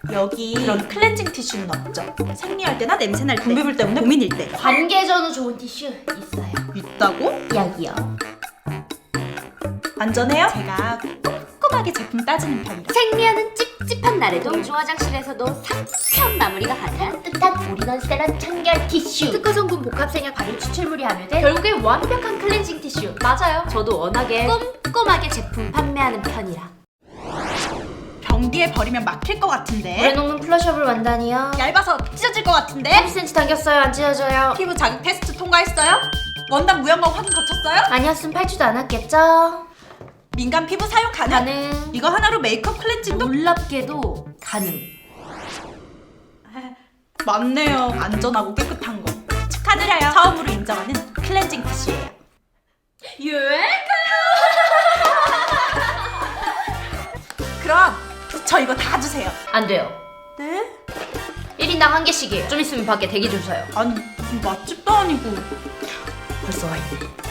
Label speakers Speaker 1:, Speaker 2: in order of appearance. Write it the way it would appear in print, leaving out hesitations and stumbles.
Speaker 1: 여기 이런 클렌징 티슈는 없죠? 생리할 때나 냄새날 때, 분비물 때문에 고민일 때.
Speaker 2: 관계 전후 좋은 티슈 있어요.
Speaker 1: 있다고?
Speaker 2: 여기요.
Speaker 1: 안전해요? 제가 꼼꼼하게 제품 따지는 편이라.
Speaker 2: 생리하는 찝찝한 날에도 공중 화장실에서도 상쾌한 마무리가 가능한 따뜻한 올인원 세럼 청결 티슈. 특허 성분 복합 생약 발효 추출물이 함유돼 결국에 완벽한 클렌징 티슈. 맞아요. 저도 워낙에 꼼꼼하게 제품 판매하는 편이라.
Speaker 1: 변기에 버리면 막힐 것 같은데.
Speaker 2: 물에 녹는 플러셔블 원단이요.
Speaker 1: 얇아서 찢어질 것 같은데.
Speaker 2: 30cm 당겼어요. 안 찢어져요.
Speaker 1: 피부 자극 테스트 통과했어요? 원단 무형광 확인 거쳤어요?
Speaker 2: 아니었으면 팔지도 않았겠죠?
Speaker 1: 민감 피부 사용 가능? 이거 하나로 메이크업 클렌징도?
Speaker 2: 놀랍게도 가능.
Speaker 1: 맞네요. 안전하고 깨끗한 거. 축하드려요. 처음으로 인정하는 클렌징 티슈예요. 그럼 저 이거 다 주세요.
Speaker 2: 안 돼요.
Speaker 1: 네?
Speaker 2: 1인당 1개씩이에요. 좀 있으면 밖에 대기 줄 서요.
Speaker 1: 아니 무슨 맛집도 아니고.
Speaker 2: 벌써 와 있네.